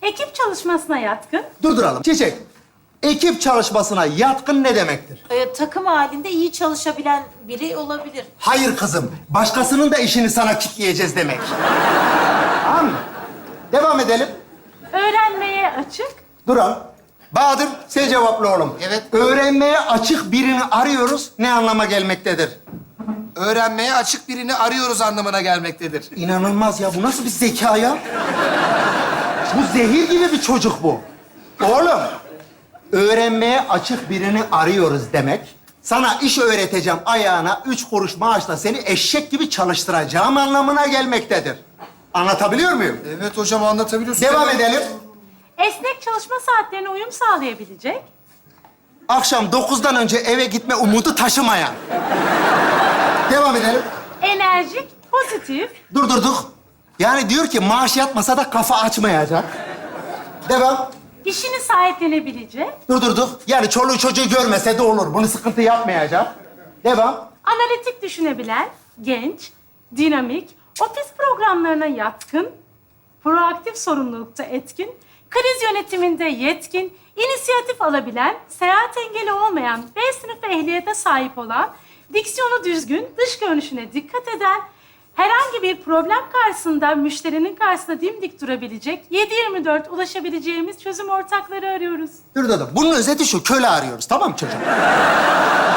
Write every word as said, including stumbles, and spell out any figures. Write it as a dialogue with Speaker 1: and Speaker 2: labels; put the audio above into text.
Speaker 1: Ekip çalışmasına yatkın.
Speaker 2: Durduralım. Çiçek, ekip çalışmasına yatkın ne demektir?
Speaker 3: Ee, takım halinde iyi çalışabilen biri olabilir.
Speaker 2: Hayır kızım, başkasının da işini sana kitleyeceğiz demek. Tamam mı? Devam edelim.
Speaker 1: Öğrenmeye açık.
Speaker 2: Duralım. Bahadır, sen cevapla oğlum.
Speaker 4: Evet.
Speaker 2: Öğrenmeye açık birini arıyoruz, ne anlama gelmektedir?
Speaker 4: Öğrenmeye açık birini arıyoruz anlamına gelmektedir.
Speaker 2: İnanılmaz ya, bu nasıl bir zeka ya? Bu zehir gibi bir çocuk bu. Oğlum, öğrenmeye açık birini arıyoruz demek, sana iş öğreteceğim ayağına üç kuruş maaşla seni eşek gibi çalıştıracağım anlamına gelmektedir. Anlatabiliyor muyum?
Speaker 4: Evet hocam anlatabiliyorsun.
Speaker 2: Devam
Speaker 4: Evet.
Speaker 2: edelim.
Speaker 1: Esnek çalışma saatlerine uyum sağlayabilecek.
Speaker 2: Akşam dokuzdan önce eve gitme umudu taşımayan. Devam edelim.
Speaker 1: Enerjik, pozitif.
Speaker 2: Durdurduk. Yani diyor ki maaş yatmasa da kafa açmayacak. Devam.
Speaker 1: İşini sahiplenebilecek.
Speaker 2: Durdurduk. Yani çoluğu çocuğu görmese de olur. Bunu sıkıntı yapmayacak. Devam.
Speaker 1: Analitik düşünebilen, genç, dinamik, ofis programlarına yatkın, proaktif sorumlulukta etkin, kriz yönetiminde yetkin, inisiyatif alabilen, seyahat engeli olmayan, B sınıfı ehliyete sahip olan, diksiyonu düzgün, dış görünüşüne dikkat eden, herhangi bir problem karşısında müşterinin karşısında dimdik durabilecek, yedi yirmi dört ulaşabileceğimiz çözüm ortakları arıyoruz.
Speaker 2: Durdurduk. Bunun özeti şu. Köle arıyoruz. Tamam mı çocuğum?